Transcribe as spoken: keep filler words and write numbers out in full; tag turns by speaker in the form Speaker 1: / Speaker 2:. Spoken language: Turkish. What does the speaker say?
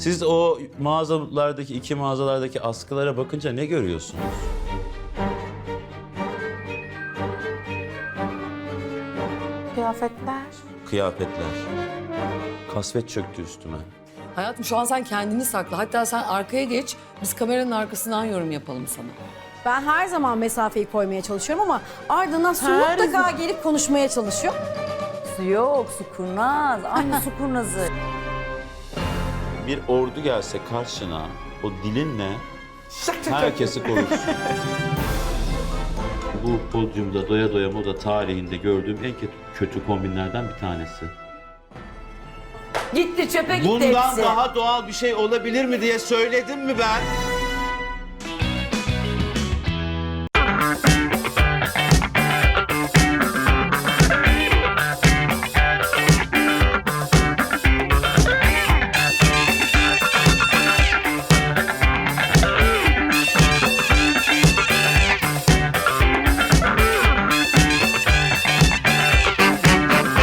Speaker 1: Siz o mağazalardaki, iki mağazalardaki askılara bakınca ne görüyorsunuz?
Speaker 2: Kıyafetler.
Speaker 1: Kıyafetler. Kasvet çöktü üstüme.
Speaker 3: Hayatım şu an sen kendini sakla. Hatta sen arkaya geç. Biz kameranın arkasından yorum yapalım sana.
Speaker 4: Ben her zaman mesafeyi koymaya çalışıyorum ama ardından su
Speaker 2: Her
Speaker 4: mutlaka
Speaker 2: zaman.
Speaker 4: gelip konuşmaya çalışıyor.
Speaker 2: Su yok, su kurnaz. Aynı su kurnazı.
Speaker 1: Bir ordu gelse karşına o dilinle herkesi korursun. Bu podyumda doya doya moda tarihinde gördüğüm en kötü, kötü kombinlerden bir tanesi.
Speaker 2: Gitti çöpe gitti
Speaker 1: Bundan
Speaker 2: hepsi.
Speaker 1: daha doğal bir şey olabilir mi diye söyledim mi ben?